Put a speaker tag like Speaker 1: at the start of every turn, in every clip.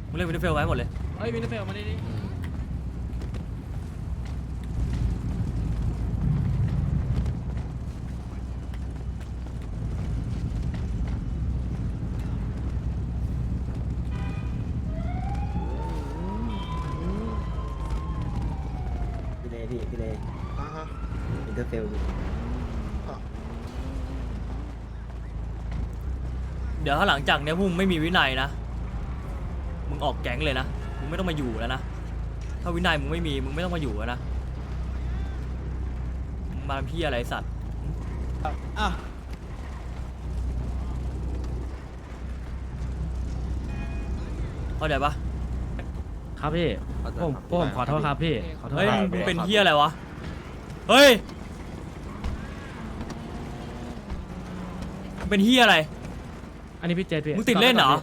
Speaker 1: มึงเล่นวินเทอร์เฟลไว้หมดเลย
Speaker 2: เฮ้ยวินเทอร์เฟลมาดิ
Speaker 3: พี่เลอินเตอร์เฟลอยู่
Speaker 1: เดี๋ยวถ้าหลังจากเนี้ยพวกมึงไม่มีวินัยนะมึงออกแก๊งเลยนะมึงไม่ต้องมาอยู่แล้วนะถ้าวินัยมึงไม่มีมึงไม่ต้องมาอยู่แล้วนะมึงมาทำพี่อะไรสัตว์
Speaker 2: อ่ะ
Speaker 1: เข้าใจปะ
Speaker 4: ครับพี่ผมขอโทษครับพี่ขอโทษ
Speaker 1: เฮ้ย
Speaker 4: ครับ
Speaker 1: มึงเป็นพี่อะไรวะเฮ้ยมึงเป็นพี่อะไร
Speaker 4: อันนี้พี่เจษพี่
Speaker 1: มึงติดเล่นเหรอ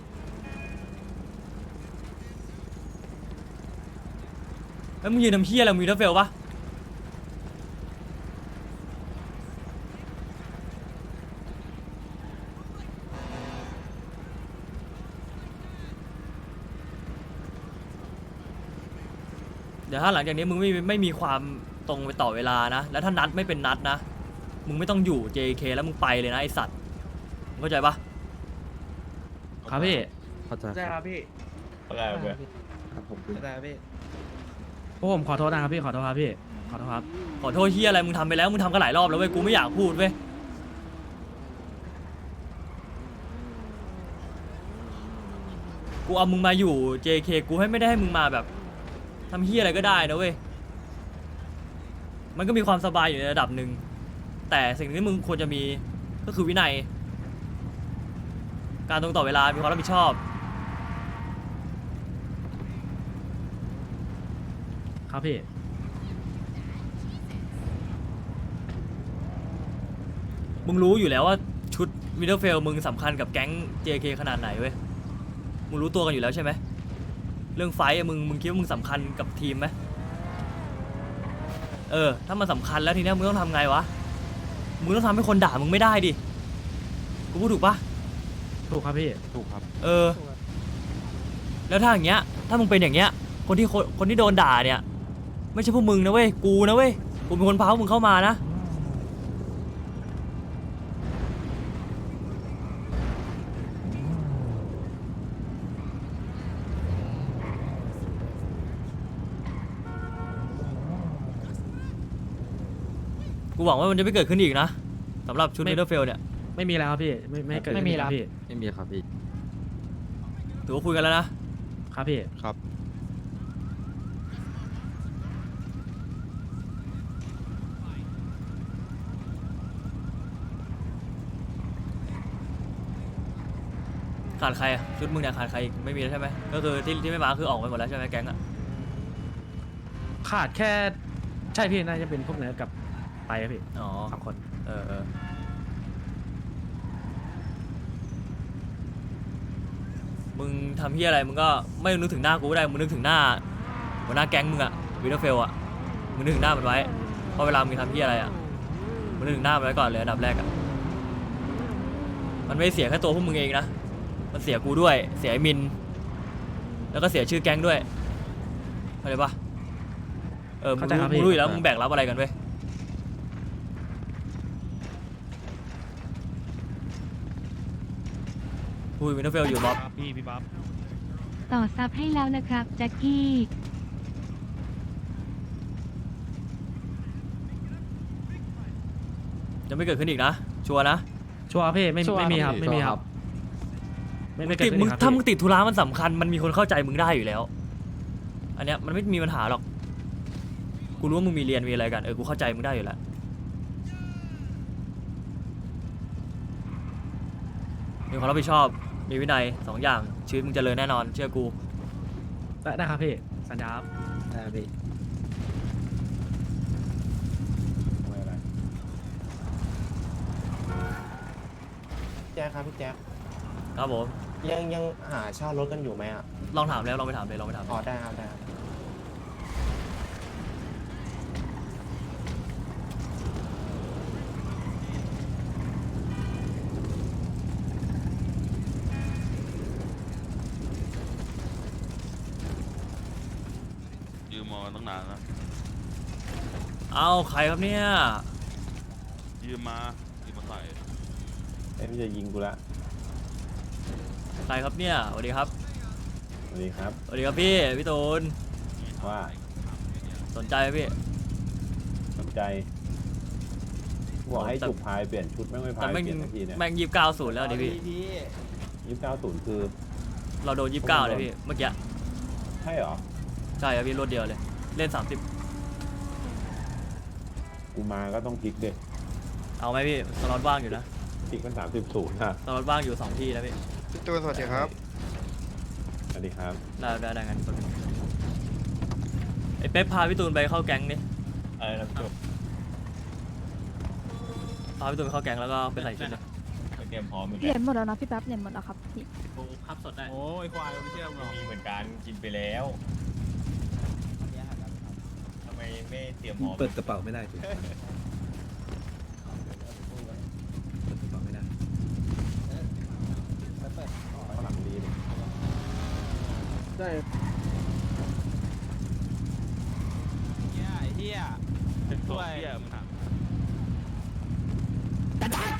Speaker 1: แล้วมึงยืนทำพี่อะไรมึงมีทัฟเฟลปะเดี๋ยวถ้าหลังจากนี้มึงไม่มีความตรงไปต่อเวลานะแล้วถ้านัดไม่เป็นนัดนะมึงไม่ต้องอยู่ JK แล้วมึงไปเลยนะไอสัตว์มึงเข้าใจปะ
Speaker 4: ครับพี่
Speaker 3: เข้าใจ
Speaker 2: ใช่ครับพี่
Speaker 3: ครับผม
Speaker 2: ใช่ครับพี่
Speaker 4: พวกผมขอโทษนะครับพี่ขอโทษครับพี่ขอโทษครับ
Speaker 1: ขอโทษเฮียอะไรมึงทำไปแล้วมึงทำกันหลายรอบแล้วเว้ยกูไม่อยากพูดเว้ยกูเอามึงมาอยู่ JK กูไม่ได้ให้มึงมาแบบทำเฮียอะไรก็ได้นะเว้ยมันก็มีความสบายอยู่ในระดับหนึ่งแต่สิ่งที่มึงควรจะมีก็คือวินัยการตรงต่อเวลามีความรับผิดชอบ
Speaker 4: ครับพี่
Speaker 1: มึงรู้อยู่แล้วว่าชุดวินเทอร์เฟลมึงสำคัญกับแก๊ง JK ขนาดไหนเว้ย มึงรู้ตัวกันอยู่แล้วใช่ไหม เรื่องไฟท์อะมึงคิดว่ามึงสำคัญกับทีมไหมถ้ามันสำคัญแล้วทีเนี้ยมึงต้องทำไงวะ มึงต้องทำให้คนด่ามึงไม่ได้ดิ กูพูดถูกปะ
Speaker 4: ถูกครับพี่
Speaker 3: ถูกครับ
Speaker 1: แล้วถ้าอย่างเงี้ย ถ้ามึงเป็นอย่างเงี้ย คนที่โดนด่าเนี่ย ไม่ใช่พวกมึงนะเว้ย กูนะเว้ย กูเป็นคนพาพวกมึงเข้ามานะ กูหวังว่ามันจะไม่เกิดขึ้นอีกนะสำหรับชุด
Speaker 4: ไม่
Speaker 1: มิดเดิลเฟลเนี่ย
Speaker 4: ไม่มีแล้วครับพี่ไม่เกิดขึ้นครับพี่
Speaker 3: ไม่มีครับพี่
Speaker 1: ถือว่าคุยกันแล้วนะ
Speaker 4: ครับพี่
Speaker 3: ครับ
Speaker 1: ขาดใครอะชุดมึงเนี่ยขาดใครอีกไม่มีแล้วใช่ไหมก็คือที่ไม่มาคือออกไปหมดแล้วใช่ไหมแก๊งอะ
Speaker 4: ขาดแค่ใช่พี่น่าจะเป็นพวกเนื้อกับไปครับพี่
Speaker 1: อ๋อ
Speaker 4: สองคน
Speaker 1: มึงทำเฮียอะไรมึงก็ไม่นึกถึงหน้ากูก็ได้มึงนึกถึงหน้าหัวหน้าแก๊งมึงอะวินเทอร์เฟลอะมึงนึกถึงหน้ามันไว้เพราะเวลามึงทำเฮียอะไรอะมึงนึกถึงหน้ามันไว้ก่อนเลยอันดับแรกอะมันไม่เสียแค่ตัวพวกมึงเองนะมันเสียกูด้วยเสียไอ้มินแล้วก็เสียชื่อแก๊งด้วยเข้าใจปะมึงรู้อยู่แล้วมึงแบกรับอะไรกันเว้ยพูดวินเทอร์เฟลอยู่บ๊อบ
Speaker 2: พี่บ๊อบ
Speaker 5: ต่อซับให้แล้วนะครับแจ็คกี้
Speaker 1: จะไม่เกิดขึ้นอีกนะชัวร์นะ
Speaker 4: ชัวร์พี่ไม่มีครับไม่มีครับไม่เกิด
Speaker 1: ติด
Speaker 4: ขึ้น
Speaker 1: มึง
Speaker 4: ครับ
Speaker 1: ถ้ามึง
Speaker 4: พี่
Speaker 1: ติดธุระมันสำคัญมันมีคนเข้าใจมึงได้อยู่แล้ว อันเนี้ยมันไม่มีปัญหาหรอกกูรู้ว่ามึงมีเรียนมีอะไรกันกูเข้าใจมึงได้อยู่แล้วมีความรับผิดชอบมีวินัย2อย่างชีวิตมึงเจริญแน่นอนเชื่อกู
Speaker 4: ได้ครับพี่สัญญาครับ
Speaker 3: ได้พี่
Speaker 6: แจ๊คครับพี่แจ๊ค
Speaker 1: ครับผม
Speaker 6: ยังหาเช่ารถกันอยู่ไหมอ่ะ
Speaker 1: ลองถามแล้วลองไปถามเลยลองไปถาม
Speaker 6: อ๋อได้ครับได้ครับ
Speaker 7: มมาตั้งนานแล้ว
Speaker 1: เอาใครครับเนี่ย
Speaker 7: ยืมมาใส่
Speaker 8: เอ้ยพี่จะยิงกูละ
Speaker 1: ใครครับเนี่ยสวัสดีครับ
Speaker 8: สวัสดีครับ
Speaker 1: สวัสดีครับพี่ตูน
Speaker 8: ว่า
Speaker 1: สนใจไหมพี่
Speaker 8: สนใจบอกให้จุกพายเปลี่ยนชุดไม่ไม่พา
Speaker 1: แต่
Speaker 8: ย
Speaker 1: แม่ง
Speaker 8: เปลี่ยนทันทีเนี่ย
Speaker 1: แม่ง29-0แล้วดิพี่
Speaker 8: 29-0คือ
Speaker 1: เราโดน29เลยพี่เมื่อกี้
Speaker 8: ใช่เหรอ
Speaker 1: ใช่ครับพี่รวดเดียวเลยเล่น30
Speaker 8: กูมาก็ต้องพลิกเด็ก
Speaker 1: เอาไหมพี่สล็อตว่างอยู่นะ
Speaker 8: พลิกมัน30-0นะ
Speaker 1: สล็อตว่างอยู่2ที่นะพี่
Speaker 9: พี่ตูนสวัสดีครับ
Speaker 8: สวัสดีครับ
Speaker 1: ได้งั้นไอ้เป๊ปพาพี่ตูนไปเข้าแก๊งดิ
Speaker 6: อะไรนะพี่จุ๊บ
Speaker 1: พาพี่ตูนไปเข้าแก๊งแล้วก็ไปใส่ชุดเลย
Speaker 6: เตรียมพร้อมเหมือน
Speaker 5: เห
Speaker 6: กั
Speaker 5: รีย
Speaker 6: น
Speaker 5: ญหมดแล้วนะพี่แป๊บเหรียญหมดแล้วครับพี่
Speaker 2: พับสดได้
Speaker 4: โอ้ยควายไม่เชื่อมึงหรอก
Speaker 6: มีเหมือนกันกินไปแล้วทำไมไม่เตรียมพร้อม
Speaker 3: เปิดกระเป๋าไม่ได้ถูกเปิดกระเป๋าไม่ได้
Speaker 8: ข้างหลังดีเลย
Speaker 4: ได้
Speaker 7: เป็นตัวเหี้ยมึงถาม